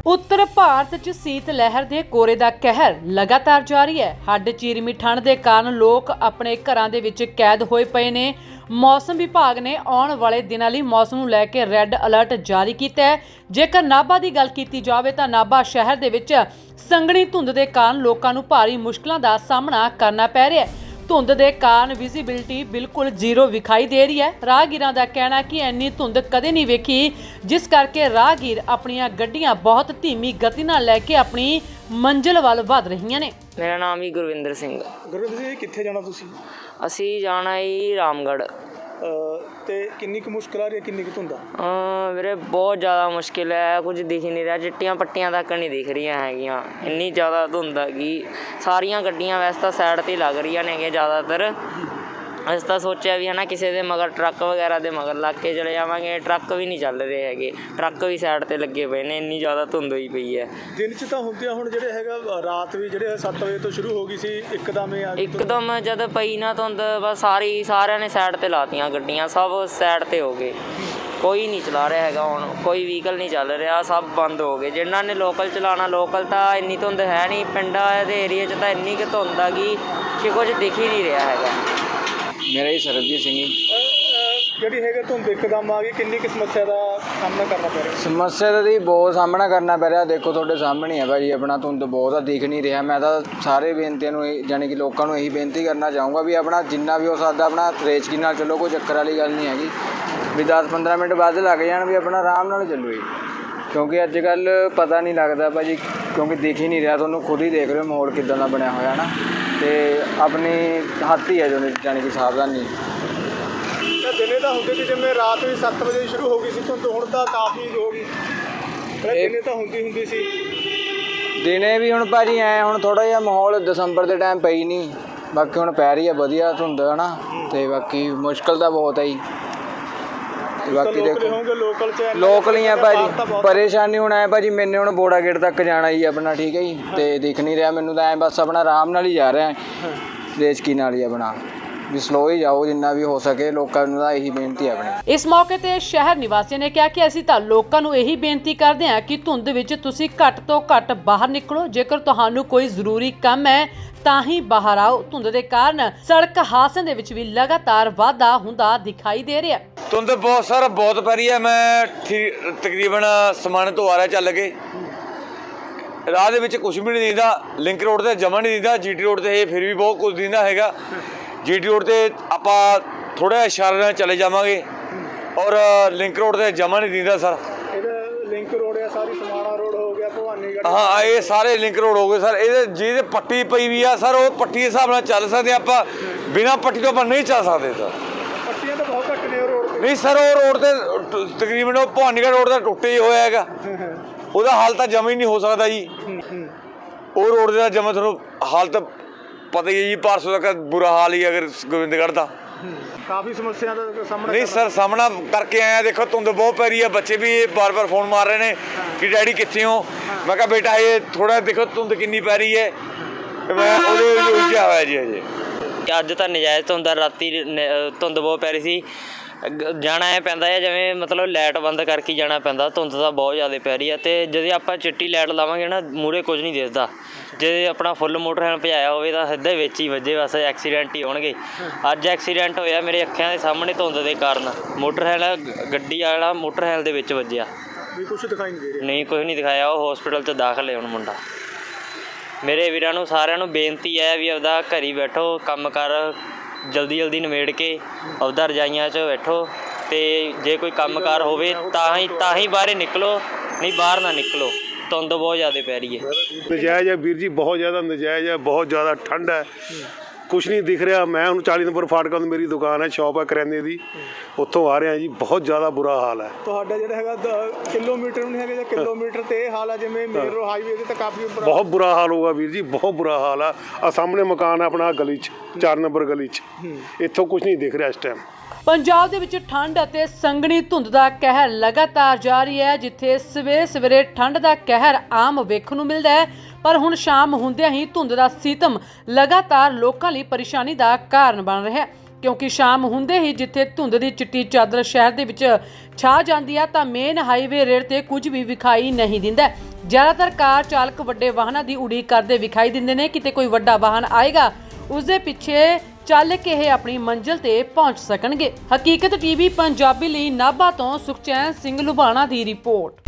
ਉੱਤਰ ਭਾਰਤ 'ਚ ਸੀਤ ਲਹਿਰ ਦੇ ਕੋਰੇ ਦਾ ਕਹਿਰ ਲਗਾਤਾਰ ਜਾਰੀ ਹੈ। ਹੱਡ ਚੀਰਵੀਂ ਠੰਡ ਦੇ ਕਾਰਨ ਲੋਕ ਆਪਣੇ ਘਰਾਂ ਦੇ ਵਿੱਚ ਕੈਦ ਹੋਏ ਪਏ ਨੇ। ਮੌਸਮ ਵਿਭਾਗ ਨੇ ਆਉਣ ਵਾਲੇ ਦਿਨਾਂ ਲਈ ਮੌਸਮ ਨੂੰ ਲੈ ਕੇ ਰੈੱਡ ਅਲਰਟ ਜਾਰੀ ਕੀਤਾ ਹੈ। ਜੇਕਰ ਨਾਭਾ ਦੀ ਗੱਲ ਕੀਤੀ ਜਾਵੇ ਤਾਂ ਨਾਭਾ ਸ਼ਹਿਰ ਦੇ ਵਿੱਚ ਸੰਘਣੀ ਧੁੰਦ ਦੇ ਕਾਰਨ ਲੋਕਾਂ ਨੂੰ ਭਾਰੀ ਮੁਸ਼ਕਲਾਂ ਦਾ ਸਾਹਮਣਾ ਕਰਨਾ ਪੈ ਰਿਹਾ ਹੈ। ਧੁੰਦ ਦੇ ਕਾਰਨ ਵਿਜ਼ਿਬਿਲਿਟੀ ਬਿਲਕੁਲ ਜ਼ੀਰੋ ਵਿਖਾਈ ਦੇ ਰਹੀ ਹੈ। ਰਾਹਗੀਰਾਂ ਦਾ ਕਹਿਣਾ ਕਿ ਇੰਨੀ ਧੁੰਦ ਕਦੇ ਨਹੀਂ ਵੇਖੀ, ਜਿਸ ਕਰਕੇ ਰਾਹਗੀਰ ਆਪਣੀਆਂ ਗੱਡੀਆਂ ਬਹੁਤ ਧੀਮੀ ਗਤੀ ਨਾਲ ਲੈ ਕੇ ਆਪਣੀ ਮੰਜ਼ਿਲ ਵੱਲ ਵਧ ਰਹੀਆਂ ਨੇ। ਮੇਰਾ ਨਾਮ ਹੀ ਗੁਰਵਿੰਦਰ ਸਿੰਘ। ਗੁਰਵਿੰਦਰ ਸਿੰਘ, ਕਿੱਥੇ ਜਾਣਾ ਤੁਸੀਂ? ਅਸੀਂ ਜਾਣਾ ਜੀ ਰਾਮਗੜ੍ਹ। ਤੇ ਕਿੰਨੀ ਕੁ ਮੁਸ਼ਕਿਲ ਆ ਰਹੀ ਹੈ, ਕਿੰਨੀ ਕੁ ਧੁੰਦ ਆ? ਵੀਰੇ ਬਹੁਤ ਜ਼ਿਆਦਾ ਮੁਸ਼ਕਿਲ ਹੈ, ਕੁਝ ਦਿਖ ਹੀ ਨਹੀਂ ਰਿਹਾ, ਚਿੱਟੀਆਂ ਪੱਟੀਆਂ ਤੱਕ ਨਹੀਂ ਦਿਖ ਰਹੀਆਂ ਹੈਗੀਆਂ, ਇੰਨੀ ਜ਼ਿਆਦਾ ਧੁੰਦ ਹੈਗੀ। ਸਾਰੀਆਂ ਗੱਡੀਆਂ ਵੈਸੇ ਤਾਂ ਸਾਈਡ 'ਤੇ ਲੱਗ ਰਹੀਆਂ ਨੇਗੀਆਂ ਜ਼ਿਆਦਾਤਰ। ਅਸੀਂ ਤਾਂ ਸੋਚਿਆ ਵੀ ਹੈ ਨਾ ਕਿਸੇ ਦੇ ਮਗਰ ਟਰੱਕ ਵਗੈਰਾ ਦੇ ਮਗਰ ਲੱਗ ਕੇ ਚਲੇ ਜਾਵਾਂਗੇ, ਟਰੱਕ ਵੀ ਨਹੀਂ ਚੱਲ ਰਹੇ ਹੈਗੇ, ਟਰੱਕ ਵੀ ਸਾਈਡ 'ਤੇ ਲੱਗੇ ਪਏ ਨੇ, ਇੰਨੀ ਜ਼ਿਆਦਾ ਧੁੰਦ ਹੋਈ ਪਈ ਹੈ। ਦਿਨ 'ਚ ਤਾਂ ਹੁੰਦੀਆਂ, ਹੁਣ ਜਿਹੜੇ ਹੈਗਾ ਰਾਤ ਵੀ ਜਿਹੜੇ 7 ਵਜੇ ਤੋਂ ਸ਼ੁਰੂ ਹੋ ਗਈ ਸੀ, ਇੱਕਦਮ ਹੀ ਆ ਗਈ। ਇੱਕਦਮ ਜਦ ਪਈ ਨਾ ਧੁੰਦ, ਬਸ ਸਾਰਿਆਂ ਨੇ ਸਾਈਡ 'ਤੇ ਲਾਤੀਆਂ ਗੱਡੀਆਂ, ਸਭ ਸਾਈਡ 'ਤੇ ਹੋ ਗਏ, ਕੋਈ ਨਹੀਂ ਚਲਾ ਰਿਹਾ ਹੈਗਾ। ਹੁਣ ਕੋਈ ਵਹੀਕਲ ਨਹੀਂ ਚੱਲ ਰਿਹਾ, ਸਭ ਬੰਦ ਹੋ ਗਏ। ਜਿਨ੍ਹਾਂ ਨੇ ਲੋਕਲ ਚਲਾਉਣਾ, ਲੋਕਲ ਤਾਂ ਇੰਨੀ ਧੁੰਦ ਹੈ ਨਹੀਂ, ਪਿੰਡਾਂ ਦੇ ਏਰੀਏ 'ਚ ਤਾਂ ਇੰਨੀ ਕੁ ਧੁੰਦ ਆ ਗਈ ਕਿ ਕੁਝ ਦਿਖ ਹੀ ਨਹੀਂ ਰਿਹਾ ਹੈਗਾ। ਮੇਰਾ ਹੀ ਸਰਬਜੀਤ ਸਿੰਘ ਜੀ। ਜਿਹੜੀ ਹੈਗਾ ਧੁੰਦ ਇੱਕਦਮ ਆ ਗਈ, ਕਿੰਨੀ ਕੁ ਸਮੱਸਿਆ ਦਾ ਸਾਹਮਣਾ ਕਰਨਾ ਪੈ ਰਿਹਾ? ਸਮੱਸਿਆ ਦਾ ਜੀ ਬਹੁਤ ਸਾਹਮਣਾ ਕਰਨਾ ਪੈ ਰਿਹਾ। ਦੇਖੋ ਤੁਹਾਡੇ ਸਾਹਮਣੇ ਹੈ ਭਾਜੀ, ਆਪਣਾ ਧੁੰਦ ਬਹੁਤ ਆ, ਦਿਖ ਨਹੀਂ ਰਿਹਾ। ਮੈਂ ਤਾਂ ਸਾਰੇ ਬੇਨਤੀਆਂ ਨੂੰ ਜਾਣੀ ਕਿ ਲੋਕਾਂ ਨੂੰ ਇਹੀ ਬੇਨਤੀ ਕਰਨਾ ਚਾਹੂੰਗਾ ਵੀ ਆਪਣਾ ਜਿੰਨਾ ਵੀ ਹੋ ਸਕਦਾ ਆਪਣਾ ਰੇਚਕੀ ਨਾਲ ਚੱਲੋ, ਕੋਈ ਚੱਕਰ ਵਾਲੀ ਗੱਲ ਨਹੀਂ ਹੈਗੀ ਵੀ 10-15 ਮਿੰਟ ਵੱਧ ਲੱਗ ਜਾਣ, ਵੀ ਆਪਣਾ ਆਰਾਮ ਨਾਲ ਚੱਲੋ ਜੀ। ਕਿਉਂਕਿ ਅੱਜ ਕੱਲ੍ਹ ਪਤਾ ਨਹੀਂ ਲੱਗਦਾ ਭਾਜੀ, ਕਿਉਂਕਿ ਦਿਖ ਹੀ ਨਹੀਂ ਰਿਹਾ, ਤੁਹਾਨੂੰ ਖੁਦ ਹੀ ਦੇਖ ਰਹੇ ਹੋ ਮਾਹੌਲ ਕਿੱਦਾਂ ਦਾ ਬਣਿਆ ਹੋਇਆ ਨਾ, ਅਤੇ ਆਪਣੀ ਹੱਥ ਹੀ ਹੈ ਜੋ ਜਾਣੀ ਕਿ ਸਾਵਧਾਨੀ। ਦਿਨੇ ਤਾਂ ਹੁੰਦੇ ਸੀ, ਜਿਵੇਂ ਰਾਤ ਵੀ 7 ਵਜੇ ਸ਼ੁਰੂ ਹੋ ਗਈ ਸੀ ਧੁੰਦ, ਹੁਣ ਤਾਂ ਕਾਫੀ ਹੋ ਗਈ। ਦਿਨੇ ਤਾਂ ਹੁੰਦੀ ਸੀ। ਦਿਨੇ ਵੀ ਹੁਣ ਭਾਜੀ ਹੁਣ ਥੋੜ੍ਹਾ ਜਿਹਾ ਮਾਹੌਲ ਦਸੰਬਰ ਦੇ ਟਾਈਮ ਪਈ ਨਹੀਂ, ਬਾਕੀ ਹੁਣ ਪੈ ਰਹੀ ਹੈ ਵਧੀਆ ਧੁੰਦ ਹੈ ਨਾ, ਅਤੇ ਬਾਕੀ ਮੁਸ਼ਕਿਲ ਤਾਂ ਬਹੁਤ ਹੈ ਜੀ। ਬਾਕੀ ਦੇਖੋ ਲੋਕਲ ਹੀ ਆ ਭਾਜੀ, ਪਰੇਸ਼ਾਨੀ ਹੁਣ ਹੈ ਭਾਜੀ, ਮੈਨੇ ਹੁਣ ਬੋੜਾ ਗੇਟ ਤੱਕ ਜਾਣਾ ਜੀ ਆਪਣਾ, ਠੀਕ ਹੈ ਜੀ, ਅਤੇ ਦਿਖ ਨਹੀਂ ਰਿਹਾ ਮੈਨੂੰ ਤਾਂ, ਬਸ ਆਪਣਾ ਆਰਾਮ ਨਾਲ ਹੀ ਜਾ ਰਿਹਾ, ਰੇਚਕੀ ਨਾਲ ਹੀ ਆਪਣਾ, ਵੀ ਸਲੋ ਹੀ ਜਾਓ ਜਿੰਨਾ ਵੀ ਹੋ ਸਕੇ। ਲੋਕਾਂ ਨੂੰ ਤਾਂ ਇਹੀ ਬੇਨਤੀ ਹੈ ਆਪਣੀ। ਇਸ ਮੌਕੇ ਤੇ ਸ਼ਹਿਰ ਨਿਵਾਸੀਆਂ ਨੇ ਕਿਹਾ ਕਿ ਅਸੀਂ ਤਾਂ ਲੋਕਾਂ ਨੂੰ ਇਹੀ ਬੇਨਤੀ ਕਰਦੇ ਹਾਂ ਕਿ ਧੁੰਦ ਵਿੱਚ ਤੁਸੀਂ ਘੱਟ ਤੋਂ ਘੱਟ ਬਾਹਰ ਨਿਕਲੋ। ਜੇਕਰ ਤੁਹਾਨੂੰ ਕੋਈ ਜ਼ਰੂਰੀ ਕੰਮ ਹੈ ਤਾਂ ਹੀ ਬਾਹਰ ਆਓ। ਧੁੰਦ ਦੇ ਕਾਰਨ ਸੜਕ ਹਾਦਸਿਆਂ ਦੇ ਵਿੱਚ ਵੀ ਲਗਾਤਾਰ ਵਾਧਾ ਹੁੰਦਾ ਦਿਖਾਈ ਦੇ ਰਿਹਾ। ਧੁੰਦ ਬਹੁਤ ਪੈ ਰਹੀ ਹੈ। ਮੈਂ ਤਕਰੀਬਨ ਸਮਾਨ ਤੋਂ ਆ ਰਿਹਾ ਚੱਲ ਕੇ, ਰਾਹ ਦੇ ਵਿੱਚ ਕੁਛ ਵੀ ਨਹੀਂ ਦਿਖਦਾ, ਲਿੰਕ ਰੋਡ ਤੇ ਜਮਾ ਨਹੀਂ ਦਿਖਦਾ, GT ਰੋਡ ਤੇ ਫਿਰ ਵੀ ਬਹੁਤ ਕੁਝ ਦਿਖਦਾ ਹੈਗਾ। GT ਰੋਡ ਤੇ ਆਪਾਂ ਥੋੜ੍ਹਾ ਇਸ਼ਾਰੇ ਨਾਲ ਚਲੇ ਜਾਵਾਂਗੇ, ਔਰ ਲਿੰਕ ਰੋਡ ਤੇ ਜਮਾ ਨਹੀਂ ਦਿਖਦਾ ਸਰ। ਲਿੰਕ ਰੋਡ ਆ, ਸਾਰੀ ਸਮਾਣਾ ਰੋਡ ਹੋ ਗਿਆ, ਭਵਾਨੀਗੜ੍ਹ, ਹਾਂ ਇਹ ਸਾਰੇ ਲਿੰਕ ਰੋਡ ਹੋ ਗਏ ਸਰ। ਇਹਦੇ ਜਿਹਦੇ ਪੱਟੀ ਪਈ ਵੀ ਆ ਸਰ, ਉਹ ਪੱਟੀ ਦੇ ਹਿਸਾਬ ਨਾਲ ਚੱਲ ਸਕਦੇ ਆਪਾਂ, ਬਿਨਾਂ ਪੱਟੀ ਤੋਂ ਆਪਾਂ ਨਹੀਂ ਚੱਲ ਸਕਦੇ ਸਰ। ਪੱਟੀਆਂ ਤਾਂ ਬਹੁਤ ਘੱਟ ਨੇ ਉਹ ਰੋਡ ਤੇ। ਨਹੀਂ ਸਰ, ਉਹ ਰੋਡ ਤੇ ਤਕਰੀਬਨ ਉਹ ਭਵਾਨੀਗੜ੍ਹ ਰੋਡ ਦਾ ਟੁੱਟੇ ਹੀ ਹੋਇਆ ਹੈਗਾ, ਉਹਦਾ ਹਾਲ ਤਾਂ ਜਮਾ ਹੀ ਨਹੀਂ ਹੋ ਸਕਦਾ ਜੀ। ਉਹ ਰੋਡ ਦਾ ਜਮਾ ਤੁਹਾਨੂੰ ਹਾਲਤ ਪਤਾ ਹੀ ਹੈ ਜੀ, ਪਰਸੋਂ ਤੱਕ ਬੁਰਾ ਹਾਲ ਹੀ ਅਗਰ ਗੋਬਿੰਦਗੜ੍ਹ ਦਾ। ਕਾਫੀ ਸਮੱਸਿਆ ਦਾ ਸਾਹਮਣਾ ਨਹੀਂ ਸਰ, ਸਾਹਮਣਾ ਕਰਕੇ ਆਇਆ। ਦੇਖੋ ਧੁੰਦ ਬਹੁਤ ਪੈ ਰਹੀ ਹੈ, ਬੱਚੇ ਵੀ ਬਾਰ-ਬਾਰ ਫੋਨ ਮਾਰ ਰਹੇ ਨੇ ਕਿ ਡੈਡੀ ਕਿੱਥੇ ਹੋ। ਮੈਂ ਕਿਹਾ ਬੇਟਾ ਇਹ ਥੋੜ੍ਹਾ ਦੇਖੋ ਧੁੰਦ ਕਿੰਨੀ ਪੈ ਰਹੀ ਹੈ, ਮੈਂ ਉਹਦੇ ਉਲਝਿਆ ਹੋਇਆ ਜੀ ਅਜੇ। ਅੱਜ ਤਾਂ ਨਜਾਇਜ਼ ਧੁੰਦ, ਰਾਤੀ ਧੁੰਦ ਬਹੁਤ ਪੈ ਰਹੀ ਸੀ। ਜਾਣਾ ਐ ਪੈਂਦਾ ਹੈ ਜਿਵੇਂ ਮਤਲਬ ਲਾਈਟ ਬੰਦ ਕਰਕੇ ਜਾਣਾ ਪੈਂਦਾ, ਧੁੰਦ ਤਾਂ ਬਹੁਤ ਜ਼ਿਆਦਾ ਪੈ ਰਹੀ ਹੈ। ਅਤੇ ਜਦੋਂ ਆਪਾਂ ਚਿੱਟੀ ਲਾਈਟ ਲਾਵਾਂਗੇ ਨਾ, ਮੂਹਰੇ ਕੁਝ ਨਹੀਂ ਦਿਖਦਾ। ਜੇ ਆਪਣਾ ਫੁੱਲ ਮੋਟਰਸਾਈਕਲ ਭਜਾਇਆ ਹੋਵੇ ਤਾਂ ਸਿੱਧੇ ਵਿੱਚ ਹੀ ਵੱਜੇ, ਬਸ ਐਕਸੀਡੈਂਟ ਹੀ ਹੋਣਗੇ। ਅੱਜ ਐਕਸੀਡੈਂਟ ਹੋਇਆ ਮੇਰੇ ਅੱਖਾਂ ਦੇ ਸਾਹਮਣੇ ਧੁੰਦ ਦੇ ਕਾਰਨ, ਮੋਟਰਸਾਈਕਲ ਗੱਡੀ ਵਾਲਾ ਮੋਟਰਸਾਈਕਲ ਦੇ ਵਿੱਚ ਵੱਜਿਆ। ਕੁਛ ਦਿਖਾਈ ਨਹੀਂ ਦੇ ਰਿਹਾ? ਨਹੀਂ, ਕੁਝ ਨਹੀਂ ਦਿਖਾਇਆ। ਉਹ ਹੌਸਪੀਟਲ 'ਚ ਦਾਖਲ ਹੈ ਹੁਣ ਮੁੰਡਾ। ਮੇਰੇ ਵੀਰਾਂ ਨੂੰ ਸਾਰਿਆਂ ਨੂੰ ਬੇਨਤੀ ਹੈ ਵੀ ਆਪਦਾ ਘਰ ਹੀ ਬੈਠੋ, ਕੰਮ ਕਰ ਜਲਦੀ ਨਿਬੇੜ ਕੇ ਆਪਦਾ ਰਜਾਈਆਂ 'ਚ ਬੈਠੋ, ਅਤੇ ਜੇ ਕੋਈ ਕੰਮਕਾਰ ਹੋਵੇ ਤਾਂ ਹੀ ਬਾਹਰ ਨਿਕਲੋ, ਨਹੀਂ ਬਾਹਰ ਨਾ ਨਿਕਲੋ। ਧੁੰਦ ਬਹੁਤ ਜ਼ਿਆਦਾ ਪੈ ਰਹੀ ਹੈ। ਨਜਾਇਜ਼ ਹੈ ਵੀਰ ਜੀ, ਬਹੁਤ ਜ਼ਿਆਦਾ ਨਜਾਇਜ਼ ਹੈ, ਬਹੁਤ ਜ਼ਿਆਦਾ ਠੰਡ ਹੈ, ਕੁਛ ਨਹੀਂ ਦਿਖ ਰਿਹਾ। ਮੈਂ ਹੁਣ 40 ਨੰਬਰ ਫਾਟਕਾਂ ਤੋਂ ਮੇਰੀ ਦੁਕਾਨ ਹੈ, ਸ਼ੌਪ ਹੈ ਕਰਿਆਨੇ ਦੀ, ਉੱਥੋਂ ਆ ਰਿਹਾ ਜੀ, ਬਹੁਤ ਜ਼ਿਆਦਾ ਬੁਰਾ ਹਾਲ ਹੈ। ਤੁਹਾਡਾ ਜਿਹੜਾ ਹੈਗਾ ਕਿਲੋਮੀਟਰ ਨਹੀਂ ਹੈਗਾ ਜਾਂ ਕਿਲੋਮੀਟਰ ਤੇ ਇਹ ਹਾਲ ਹੈ ਜਿਵੇਂ ਮੇਨ ਰੋਡ ਹਾਈਵੇ ਤੇ, ਤਾਂ ਕਾਫੀ ਬਹੁਤ ਬੁਰਾ ਹਾਲ ਹੋਊਗਾ ਵੀਰ ਜੀ, ਬਹੁਤ ਬੁਰਾ ਹਾਲ ਆ। ਆ ਸਾਹਮਣੇ ਮਕਾਨ ਹੈ ਆਪਣਾ ਗਲੀ 'ਚ, 4 ਨੰਬਰ ਗਲੀ 'ਚ, ਇੱਥੋਂ ਕੁਛ ਨਹੀਂ ਦਿਖ ਰਿਹਾ ਇਸ ਟਾਈਮ। ਪੰਜਾਬ ਦੇ ਵਿੱਚ ਠੰਡ ਅਤੇ ਸੰਘਣੀ ਧੁੰਦ ਦਾ ਕਹਿਰ ਲਗਾਤਾਰ ਜਾਰੀ ਹੈ। ਜਿੱਥੇ ਸਵੇਰੇ ਠੰਡ ਦਾ ਕਹਿਰ ਆਮ ਵੇਖਣ ਨੂੰ ਮਿਲਦਾ ਹੈ, ਪਰ ਹੁਣ ਸ਼ਾਮ ਹੁੰਦਿਆਂ ਹੀ ਧੁੰਦ ਦਾ ਸੀਤਮ ਲਗਾਤਾਰ ਲੋਕਾਂ ਲਈ ਪਰੇਸ਼ਾਨੀ ਦਾ ਕਾਰਨ ਬਣ ਰਿਹਾ ਹੈ। ਕਿਉਂਕਿ ਸ਼ਾਮ ਹੁੰਦੇ ਹੀ ਜਿੱਥੇ ਧੁੰਦ ਦੀ ਚਿੱਟੀ ਚਾਦਰ ਸ਼ਹਿਰ ਦੇ ਵਿੱਚ ਛਾ ਜਾਂਦੀ ਹੈ ਤਾਂ ਮੇਨ ਹਾਈਵੇ ਰੇਡ ਤੇ ਕੁਝ ਵੀ ਵਿਖਾਈ ਨਹੀਂ ਦਿੰਦਾ। ਜ਼ਿਆਦਾਤਰ ਕਾਰ ਚਾਲਕ ਵੱਡੇ ਵਾਹਨਾਂ ਦੀ ਉਡੀਕ ਕਰਦੇ ਵਿਖਾਈ ਦਿੰਦੇ ਨੇ, ਕਿਤੇ ਕੋਈ ਵੱਡਾ ਵਾਹਨ ਆਏਗਾ ਉਸ ਦੇ ਪਿੱਛੇ ਚੱਲ ਕੇ ਇਹ ਆਪਣੀ ਮੰਜ਼ਿਲ ਤੇ ਪਹੁੰਚ ਸਕਣਗੇ। ਹਕੀਕਤ ਟੀਵੀ ਪੰਜਾਬੀ ਲਈ ਨਾਭਾ ਤੋਂ ਸੁਖਚੈਨ ਸਿੰਘ ਲੁਬਾਣਾ ਦੀ ਰਿਪੋਰਟ।